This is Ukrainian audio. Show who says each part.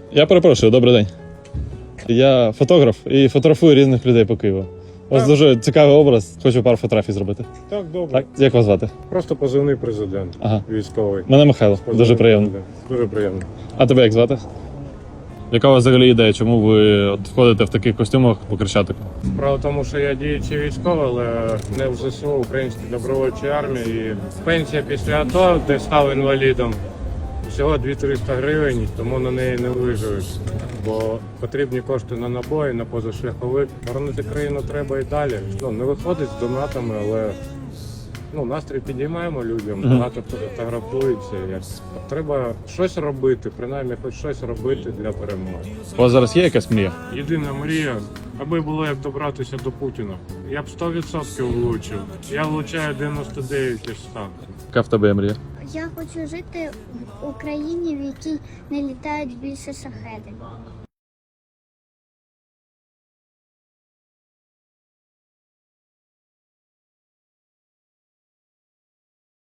Speaker 1: Я перепрошую, добрий день. Я фотограф і фотографую різних людей по Києву. У вас дуже цікавий образ, хочу пару фотографій зробити.
Speaker 2: Так, добре.
Speaker 1: Так, як вас звати?
Speaker 2: Просто позивний президент,
Speaker 1: Ага.
Speaker 2: військовий.
Speaker 1: Мене Михайло,
Speaker 2: Позивний
Speaker 1: дуже приємно.
Speaker 2: президент. Дуже приємно.
Speaker 1: А тебе як звати? Яка у вас взагалі ідея, чому ви от входите в таких костюмах по Хрещатику?
Speaker 2: Справа в тому, що я діючий військовий, але не в ЗСУ, Українській добровольчій армії. І пенсія після АТО, де став інвалідом, всього 200-300 гривень, тому на неї не виживеш. Бо потрібні кошти на набої, на позашляховик. Боронити країну треба і далі. Не виходить з донатами, але настрій підіймаємо людям, багато фотографується. Треба щось робити, принаймні хоч щось робити для перемоги.
Speaker 1: У вас зараз є якась мрія?
Speaker 2: Єдина мрія, аби було як добратися до Путіна. Я б 100% влучив. Я влучаю 99 із 100.
Speaker 1: Яка в тебе є мрія?
Speaker 3: Я хочу жити в Україні, в якій не літають більше шахеди.